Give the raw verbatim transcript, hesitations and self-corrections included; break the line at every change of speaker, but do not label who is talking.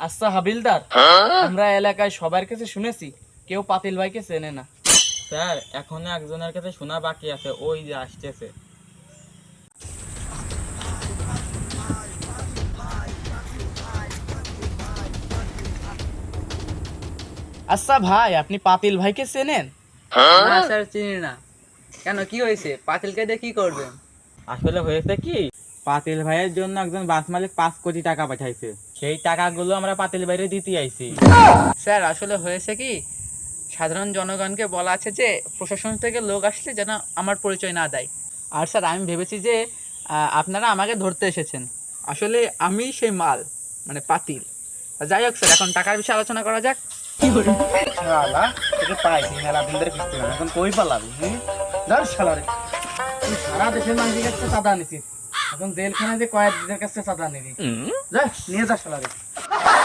আচ্ছা হাবিলদার, আমরা এলাকায় সবার কাছে শুনেছি কেউ পাতিল ভাইকে চেনে না।
স্যার এখনো একজনের কাছে শোনা বাকি আছে, ওই যে আসতেছে।
আচ্ছা ভাই, আপনি পাতিল ভাইকে চেনেন?
না স্যার, চিনি না। কেন, কি হয়েছে? পাতিলকে দিয়ে কি করবেন?
আসলে হয়েছে কি, পাতিল ভাইয়ের জন্য একজন বাস মালিক পাঁচ কোটি টাকা পাঠাইছে, সেই টাকাগুলো আমরা পাতিল ভাইরে দিতে আইছি।
স্যার আসলে হয়েছে কি, সাধারণ জনগণকে বলা আছে যে প্রশাসন থেকে লোক আসলে যেন আমার পরিচয় না দেয়। আর স্যার আমি ভেবেছি যে আহ, আপনারা আমাকে ধরতে এসেছেন। আসলে আমি সেই মাল, মানে পাতিল। যাই হোক স্যার, এখন টাকার বিষয়ে আলোচনা করা যাক।
শালা, তোকে পাইছি মেলা দিন ধরে কিস্তি না, এখন কই পালাবি? হুম, ধর শালা রে, তুই সারা দেশের মানুষের কাছে চাঁদা নিছিস, এখন জেলখানায় যে কয়েক দিনের কাছে চাঁদা নিবি। যা নিয়ে যা শালা রে।